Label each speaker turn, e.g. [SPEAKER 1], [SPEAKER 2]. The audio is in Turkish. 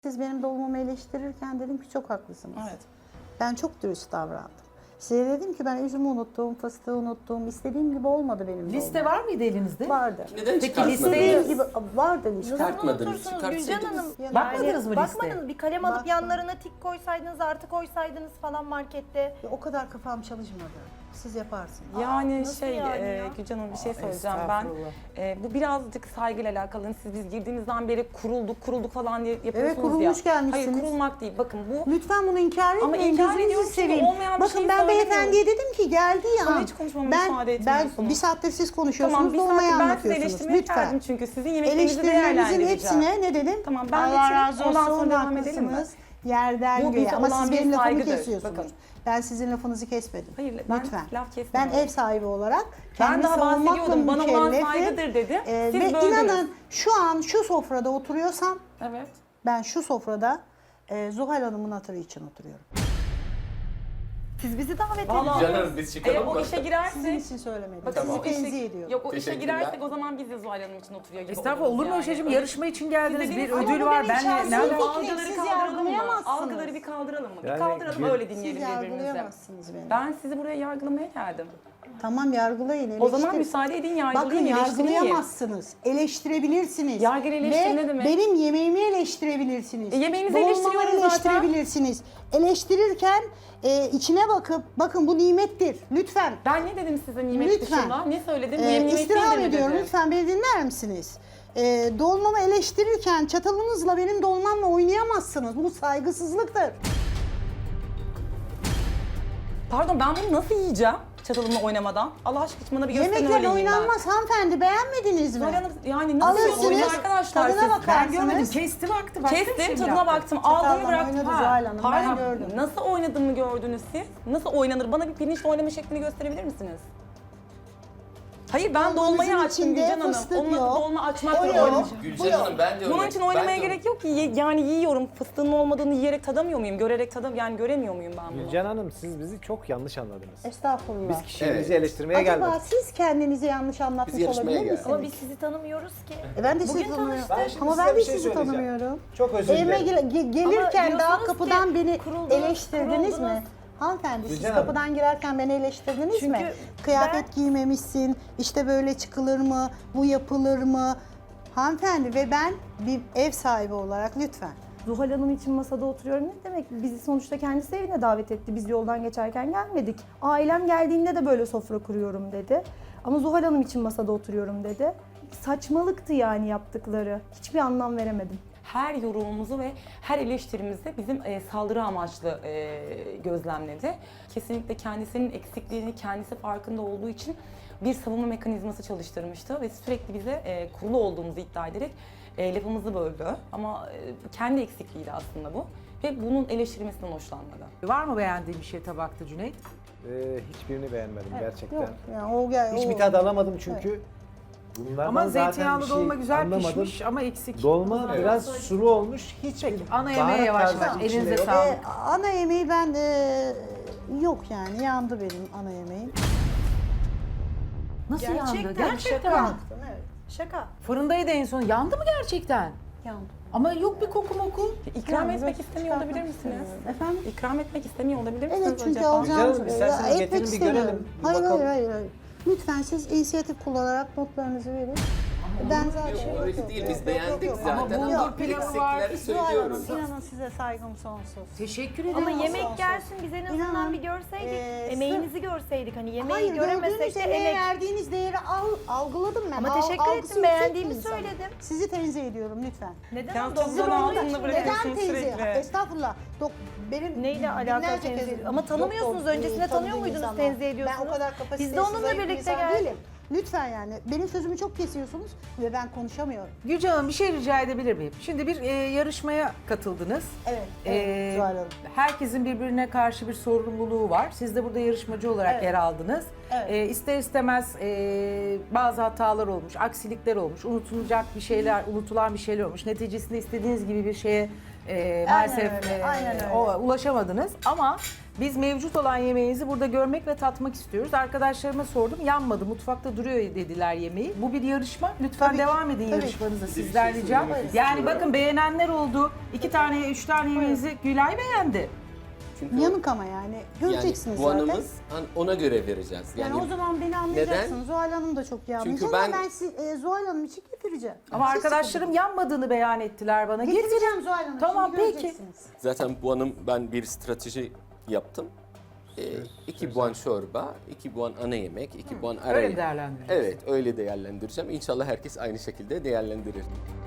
[SPEAKER 1] Siz benim dolmamı eleştirirken dedim ki çok haklısınız.
[SPEAKER 2] Evet.
[SPEAKER 1] Ben çok dürüst davrandım. Size dedim ki ben üzümü unuttum, fıstığı unuttum. İstediğim gibi olmadı benim
[SPEAKER 3] Liste
[SPEAKER 1] dolmam.
[SPEAKER 3] var mıydı elinizde?
[SPEAKER 1] Vardı.
[SPEAKER 4] Neden çıkartmadınız?
[SPEAKER 1] İstediğim gibi vardı liste.
[SPEAKER 4] Çıkartmadınız,
[SPEAKER 5] Gülcan
[SPEAKER 4] çıkartsaydınız.
[SPEAKER 5] Hanım.
[SPEAKER 1] Yani
[SPEAKER 3] Bakmadınız mı listeye?
[SPEAKER 5] Bakmadınız. Bir kalem alıp
[SPEAKER 1] Baktım.
[SPEAKER 5] yanlarına tik koysaydınız, artı koysaydınız falan markette.
[SPEAKER 1] O kadar kafam çalışmadı. Siz yaparsınız.
[SPEAKER 2] Yani
[SPEAKER 5] nasıl yani ya?
[SPEAKER 2] Gülcan Hanım bir şey söyleyeceğim ben. Bu birazcık saygıyla alakalı. Siz biz girdiğimizden beri kurulduk falan diye yapıyorsunuz
[SPEAKER 1] Evet, kurulmuş
[SPEAKER 2] ya.
[SPEAKER 1] gelmişsiniz.
[SPEAKER 2] Hayır kurulmak değil. Bakın bu
[SPEAKER 1] Lütfen bunu inkar etmeyin.
[SPEAKER 2] Ama inkar
[SPEAKER 1] Gözünüzü
[SPEAKER 2] ediyorum çünkü
[SPEAKER 1] seveyim.
[SPEAKER 2] olmayan bir
[SPEAKER 1] Bakın
[SPEAKER 2] şeyi
[SPEAKER 1] ben
[SPEAKER 2] söylemiyorum.
[SPEAKER 1] beyefendiye dedim ki geldi ya.
[SPEAKER 2] Bana hiç konuşmama müsaade
[SPEAKER 1] Ben
[SPEAKER 2] etmiyorsunuz.
[SPEAKER 1] bir saattir siz konuşuyorsunuz.
[SPEAKER 2] tamam bir
[SPEAKER 1] dolmayı
[SPEAKER 2] saattir ben sizi
[SPEAKER 1] anlatıyorsunuz.
[SPEAKER 2] eleştirmeye
[SPEAKER 1] Lütfen.
[SPEAKER 2] geldim çünkü sizin yemeklerinizi
[SPEAKER 1] Eleştirilerinizin
[SPEAKER 2] değerlendireceğim.
[SPEAKER 1] hepsine ne dedim?
[SPEAKER 2] Tamam, ben
[SPEAKER 1] Allah
[SPEAKER 2] bitireyim,
[SPEAKER 1] razı
[SPEAKER 2] ondan
[SPEAKER 1] olsun,
[SPEAKER 2] sonra devam edelim mi?
[SPEAKER 1] haklısınız. Yerden
[SPEAKER 2] Bu
[SPEAKER 1] göğe.
[SPEAKER 2] bize
[SPEAKER 1] Ama
[SPEAKER 2] olan
[SPEAKER 1] siz
[SPEAKER 2] bir
[SPEAKER 1] benim lafımı
[SPEAKER 2] saygıdır.
[SPEAKER 1] kesiyorsunuz.
[SPEAKER 2] Bakın.
[SPEAKER 1] Ben sizin lafınızı kesmedim.
[SPEAKER 2] Hayır, ben
[SPEAKER 1] Lütfen.
[SPEAKER 2] laf
[SPEAKER 1] Ben
[SPEAKER 2] kesmiyorum.
[SPEAKER 1] ev sahibi olarak
[SPEAKER 2] Ben
[SPEAKER 1] kendi
[SPEAKER 2] daha
[SPEAKER 1] savunmakla
[SPEAKER 2] bahsediyordum. Bana olan
[SPEAKER 1] mükellefim.
[SPEAKER 2] saygıdır dedi. Siz
[SPEAKER 1] Ve
[SPEAKER 2] böldünüz.
[SPEAKER 1] inanın şu an şu sofrada oturuyorsam
[SPEAKER 2] Evet.
[SPEAKER 1] ben şu sofrada Zuhal Hanım'ın hatırı için oturuyorum.
[SPEAKER 5] Siz bizi davet edin.
[SPEAKER 2] Vallahi
[SPEAKER 4] Canım biz çıkalım
[SPEAKER 2] eğer o
[SPEAKER 4] mı?
[SPEAKER 2] işe
[SPEAKER 1] Sizin
[SPEAKER 2] girersek
[SPEAKER 1] için söylemedim.
[SPEAKER 2] Bakın
[SPEAKER 1] Sizi
[SPEAKER 2] o işe,
[SPEAKER 1] tenzih ediyorum.
[SPEAKER 2] yok o işe
[SPEAKER 4] Teşekkürler.
[SPEAKER 2] girersek o zaman biz de Zuhal Hanım için oturuyor gibi
[SPEAKER 3] Estağfurullah olur mu
[SPEAKER 2] oluruz
[SPEAKER 3] Ayşe'cim?
[SPEAKER 2] yani.
[SPEAKER 3] Yarışma için geldiniz.
[SPEAKER 2] Siz
[SPEAKER 3] Bir
[SPEAKER 2] dediniz,
[SPEAKER 3] ödül
[SPEAKER 2] ama
[SPEAKER 3] var.
[SPEAKER 1] benim
[SPEAKER 3] Ben
[SPEAKER 1] şahsi
[SPEAKER 3] ne
[SPEAKER 1] fikrim.
[SPEAKER 2] Algıları
[SPEAKER 1] Siz
[SPEAKER 2] bir kaldıralım mı?
[SPEAKER 1] yargılayamazsınız.
[SPEAKER 2] Algıları bir kaldıralım mı?
[SPEAKER 6] Yani
[SPEAKER 2] bir kaldıralım öyle dinleyelim
[SPEAKER 1] Siz
[SPEAKER 2] birbirimizi.
[SPEAKER 1] yargılayamazsınız beni.
[SPEAKER 2] Ben sizi buraya yargılamaya geldim.
[SPEAKER 1] Tamam yargılayın.
[SPEAKER 2] O zaman
[SPEAKER 1] eleştirin.
[SPEAKER 2] müsaade edin
[SPEAKER 1] Bakın
[SPEAKER 2] yargılayayım, eleştireyim.
[SPEAKER 1] yargılayamazsınız. Eleştirebilirsiniz.
[SPEAKER 2] Yargı eleştiri ne demek?
[SPEAKER 1] Benim yemeğimi eleştirebilirsiniz.
[SPEAKER 2] Yemeğinizi
[SPEAKER 1] Dolmamı
[SPEAKER 2] eleştiriyorum zaten.
[SPEAKER 1] eleştirebilirsiniz. Eleştirirken içine bakıp bakın bu nimettir. Lütfen.
[SPEAKER 2] Ben ne dedim size nimet
[SPEAKER 1] Lütfen.
[SPEAKER 2] dışında? Ne söyledim? Bu nimet
[SPEAKER 1] istirham
[SPEAKER 2] değildir mi
[SPEAKER 1] ediyorum.
[SPEAKER 2] dedim?
[SPEAKER 1] Lütfen beni dinler misiniz? Dolmamı eleştirirken çatalınızla benim dolmamla oynayamazsınız. Bu saygısızlıktır.
[SPEAKER 2] Pardon ben bunu nasıl yiyeceğim? Çatalımla oynamadan. Allah aşkına bana bir gösterin öyle
[SPEAKER 1] Yemekler
[SPEAKER 2] yiyeyim ben.
[SPEAKER 1] oynanmaz hanımefendi. Beğenmediniz mi?
[SPEAKER 2] Zuhal Hanım yani nasıl
[SPEAKER 1] Alırsınız,
[SPEAKER 2] oynuyor arkadaşlar
[SPEAKER 1] tadına
[SPEAKER 2] siz?
[SPEAKER 1] bakar.
[SPEAKER 3] Ben görmedim.
[SPEAKER 1] Baktınız.
[SPEAKER 3] Kesti baktı. Başka bir şey
[SPEAKER 2] Kestim,
[SPEAKER 3] mi
[SPEAKER 2] tadına
[SPEAKER 3] yaptı?
[SPEAKER 2] baktım,
[SPEAKER 1] Çataldan
[SPEAKER 2] aldım bıraktım.
[SPEAKER 1] oynadı
[SPEAKER 2] Ha,
[SPEAKER 1] Zuhal Hanım, ben
[SPEAKER 2] pardon,
[SPEAKER 1] gördüm.
[SPEAKER 2] nasıl oynadığımı gördünüz siz? Nasıl oynanır? Bana bir pirinçle oynama şeklini gösterebilir misiniz? Hayır ben
[SPEAKER 1] Dolmanızın
[SPEAKER 2] dolmayı açtım
[SPEAKER 1] içinde
[SPEAKER 2] Gülcan Hanım.
[SPEAKER 1] fıstık
[SPEAKER 2] Onun adı
[SPEAKER 1] yok.
[SPEAKER 2] dolma açmak
[SPEAKER 1] O
[SPEAKER 2] yok.
[SPEAKER 1] yok.
[SPEAKER 2] Oynayacağım.
[SPEAKER 4] Gülcan Hanım ben de öyle.
[SPEAKER 2] Bunun için
[SPEAKER 4] Ben
[SPEAKER 2] oynamaya
[SPEAKER 4] de
[SPEAKER 2] gerek yok ki. Yani yiyorum. Fıstığın olmadığını yiyerek tadamıyor muyum? Görerek yani göremiyor muyum ben bunu?
[SPEAKER 6] Gülcan Hanım siz bizi çok yanlış anladınız.
[SPEAKER 1] Estağfurullah.
[SPEAKER 6] Biz kişiliğinizi
[SPEAKER 4] Evet.
[SPEAKER 6] eleştirmeye
[SPEAKER 1] Acaba
[SPEAKER 6] gelmedik.
[SPEAKER 1] siz kendinizi yanlış anlatmış
[SPEAKER 4] Biz yarışmaya
[SPEAKER 1] olabilir
[SPEAKER 4] geldik.
[SPEAKER 1] misiniz?
[SPEAKER 5] Ama biz sizi tanımıyoruz ki.
[SPEAKER 1] Ben de sizi
[SPEAKER 5] Bugün
[SPEAKER 1] tanımıyorum.
[SPEAKER 5] tanıştık.
[SPEAKER 1] Ama
[SPEAKER 6] size
[SPEAKER 1] ben de
[SPEAKER 6] bir şey
[SPEAKER 1] sizi
[SPEAKER 6] söyleyeceğim.
[SPEAKER 1] tanımıyorum.
[SPEAKER 6] Çok özür
[SPEAKER 1] Evime
[SPEAKER 6] dilerim.
[SPEAKER 1] gelirken
[SPEAKER 5] Ama
[SPEAKER 1] daha
[SPEAKER 5] diyorsunuz
[SPEAKER 1] kapıdan
[SPEAKER 5] ki
[SPEAKER 1] beni
[SPEAKER 5] kuruldunuz,
[SPEAKER 1] eleştirdiniz mi?
[SPEAKER 5] kuruldunuz.
[SPEAKER 1] Hanımefendi siz
[SPEAKER 6] Gülcan Hanım.
[SPEAKER 1] kapıdan girerken beni eleştirdiniz
[SPEAKER 5] Çünkü
[SPEAKER 1] mi? Kıyafet
[SPEAKER 5] ben-
[SPEAKER 1] giymemişsin, işte böyle çıkılır mı, bu yapılır mı? Hanımefendi ve ben bir ev sahibi olarak lütfen.
[SPEAKER 5] Zuhal Hanım için masada oturuyorum ne demek? Bizi sonuçta kendisi evine davet etti. Biz yoldan geçerken gelmedik. Ailem geldiğinde de böyle sofra kuruyorum dedi. Ama Zuhal Hanım için masada oturuyorum dedi. Saçmalıktı yani yaptıkları. Hiçbir anlam veremedim.
[SPEAKER 2] Her yorumumuzu ve her eleştirimizi bizim saldırı amaçlı gözlemledi. Kesinlikle kendisinin eksikliğini kendisi farkında olduğu için bir savunma mekanizması çalıştırmıştı ve sürekli bize kurulu olduğumuzu iddia ederek lafımızı böldü. Ama kendi eksikliğiydi aslında bu ve bunun eleştirilmesinden hoşlanmadı.
[SPEAKER 3] Var mı beğendiğin bir şey tabakta Cüneyt?
[SPEAKER 6] Hiçbirini beğenmedim gerçekten.
[SPEAKER 1] Yok yani o gel.
[SPEAKER 6] Hiçbir
[SPEAKER 1] o-
[SPEAKER 6] tad alamadım çünkü. Bunlardan
[SPEAKER 3] Ama
[SPEAKER 6] zaten
[SPEAKER 3] zeytinyağlı
[SPEAKER 6] bir şey
[SPEAKER 3] dolma güzel
[SPEAKER 6] anlamadım.
[SPEAKER 3] pişmiş ama eksik.
[SPEAKER 6] Dolma
[SPEAKER 4] Evet.
[SPEAKER 6] biraz sulu olmuş. Hiç
[SPEAKER 3] Peki, ana yemeğe
[SPEAKER 6] baharat
[SPEAKER 3] yavaş
[SPEAKER 6] tarzı
[SPEAKER 3] yavaş.
[SPEAKER 6] içinde
[SPEAKER 3] Elinize
[SPEAKER 6] yok.
[SPEAKER 3] sağlık.
[SPEAKER 1] Ana yemeği ben yok yani yandı benim ana yemeğim.
[SPEAKER 3] Nasıl yandı?
[SPEAKER 5] Gerçekten,
[SPEAKER 3] Gerçekten.
[SPEAKER 5] şaka.
[SPEAKER 1] Baktım evet
[SPEAKER 5] Şaka.
[SPEAKER 3] Fırındaydı en son. Yandı mı gerçekten?
[SPEAKER 1] yandı.
[SPEAKER 3] Ama yok bir koku moku.
[SPEAKER 2] İkram
[SPEAKER 1] Yani
[SPEAKER 2] etmek
[SPEAKER 1] biraz
[SPEAKER 2] istemiyor olabilir
[SPEAKER 1] çıkartmak
[SPEAKER 2] misiniz?
[SPEAKER 1] istemiyorum. Efendim?
[SPEAKER 2] İkram etmek istemiyor olabilir misiniz
[SPEAKER 1] Evet çünkü
[SPEAKER 2] acaba?
[SPEAKER 6] Gülcan
[SPEAKER 1] alacağım.
[SPEAKER 6] Hanım, isterseniz
[SPEAKER 1] etmek
[SPEAKER 6] getirin bir
[SPEAKER 1] istemiyorum.
[SPEAKER 6] görelim, bir
[SPEAKER 1] Hayır,
[SPEAKER 6] bakalım.
[SPEAKER 1] hayır. Lütfen siz inisiyatif kullanarak notlarınızı verin. Ben zaten
[SPEAKER 4] Yok, öyle değil. Biz beğendik zaten
[SPEAKER 3] Ama
[SPEAKER 4] ama
[SPEAKER 3] bulgur pilavı var.
[SPEAKER 4] eksikleri
[SPEAKER 1] Zuhal Hanım,
[SPEAKER 4] söylüyoruz.
[SPEAKER 1] inanın size saygım sonsuz.
[SPEAKER 3] Teşekkür ederim.
[SPEAKER 5] Ama
[SPEAKER 1] Olsun,
[SPEAKER 5] yemek
[SPEAKER 1] olsun.
[SPEAKER 5] gelsin biz en azından
[SPEAKER 1] İnanın,
[SPEAKER 5] bir görseydik.
[SPEAKER 1] sırf-
[SPEAKER 5] Emeğinizi görseydik. Hani yemeği
[SPEAKER 1] Hayır,
[SPEAKER 5] göremesek
[SPEAKER 1] gördüğünüz
[SPEAKER 5] de
[SPEAKER 1] emeğe
[SPEAKER 5] emek.
[SPEAKER 1] verdiğiniz değeri algıladım ben.
[SPEAKER 5] Ama teşekkür
[SPEAKER 1] Algısı
[SPEAKER 5] ettim,
[SPEAKER 1] yüksek
[SPEAKER 5] beğendiğimi
[SPEAKER 1] bir insanım.
[SPEAKER 5] söyledim.
[SPEAKER 1] Sizi tenzih ediyorum lütfen.
[SPEAKER 5] Neden?
[SPEAKER 2] Ya
[SPEAKER 5] Doktor
[SPEAKER 2] tuzdan
[SPEAKER 5] olduğu
[SPEAKER 2] altında
[SPEAKER 5] için
[SPEAKER 2] bırakıyorsun.
[SPEAKER 5] neden?
[SPEAKER 1] Neden tenzih?
[SPEAKER 2] sürekli.
[SPEAKER 1] Estağfurullah. Benim
[SPEAKER 5] Neyle alakalı
[SPEAKER 1] binlerce
[SPEAKER 5] tenzih?
[SPEAKER 1] kez
[SPEAKER 5] Ama tanımıyorsunuz.
[SPEAKER 1] doktor,
[SPEAKER 5] Öncesinde tanıyor
[SPEAKER 1] tanıdığım
[SPEAKER 5] muydunuz,
[SPEAKER 1] insanlar.
[SPEAKER 5] tenzih ediyorsunuz?
[SPEAKER 1] Ben o kadar
[SPEAKER 5] Biz
[SPEAKER 1] kapasitesiz,
[SPEAKER 5] de onunla
[SPEAKER 1] zayıf bir
[SPEAKER 5] birlikte
[SPEAKER 1] insan
[SPEAKER 5] geldik.
[SPEAKER 1] değilim. Lütfen yani. Benim sözümü çok kesiyorsunuz ve ben konuşamıyorum.
[SPEAKER 3] Gülcan Hanım bir şey rica edebilir miyim? Şimdi bir yarışmaya katıldınız.
[SPEAKER 1] Evet.
[SPEAKER 3] Ee,
[SPEAKER 1] Zuhal Hanım.
[SPEAKER 3] herkesin birbirine karşı bir sorumluluğu var. Siz de burada yarışmacı olarak
[SPEAKER 1] Evet.
[SPEAKER 3] yer aldınız.
[SPEAKER 1] Evet.
[SPEAKER 3] İster istemez bazı hatalar olmuş, aksilikler olmuş, unutulacak bir şeyler, unutulan bir şeyler olmuş. Neticesinde istediğiniz gibi bir şeye maalesef
[SPEAKER 1] öyle, aynen öyle.
[SPEAKER 3] ulaşamadınız. Ama Biz mevcut olan yemeğinizi burada görmek ve tatmak istiyoruz. Arkadaşlarıma sordum. Yanmadı. Mutfakta duruyor dediler yemeği. Bu bir yarışma. Lütfen
[SPEAKER 1] Tabii ki,
[SPEAKER 3] devam edin
[SPEAKER 1] tabii.
[SPEAKER 3] yarışmanıza
[SPEAKER 4] Bir
[SPEAKER 3] sizden
[SPEAKER 4] şey
[SPEAKER 3] ricam.
[SPEAKER 4] söylemek
[SPEAKER 3] Yani
[SPEAKER 4] istiyorum.
[SPEAKER 3] bakın beğenenler oldu. 2 tane, 3 tane yemeğinizi Gülay beğendi.
[SPEAKER 4] Çünkü
[SPEAKER 1] Yanık ama yani. Göreceksiniz zaten.
[SPEAKER 4] puanımız ona göre vereceğiz.
[SPEAKER 1] Yani o zaman beni anlayacaksınız. Zuhal Hanım da çok iyi anlayacak
[SPEAKER 4] ben-
[SPEAKER 1] ama ben Zuhal Hanım için getireceğim.
[SPEAKER 3] Ama
[SPEAKER 1] Siz
[SPEAKER 3] arkadaşlarım yanmadığını beyan ettiler bana.
[SPEAKER 1] getireceğim Zuhal Hanım.
[SPEAKER 3] Tamam,
[SPEAKER 1] şimdi
[SPEAKER 3] peki.
[SPEAKER 1] göreceksiniz.
[SPEAKER 4] Zaten puanım, ben bir strateji yaptım. 2 puan çorba, 2 puan ana yemek, 2 puan ara
[SPEAKER 3] Öyle
[SPEAKER 4] yemek.
[SPEAKER 3] değerlendireceğiz.
[SPEAKER 4] Evet, öyle değerlendireceğim. İnşallah herkes aynı şekilde değerlendirir.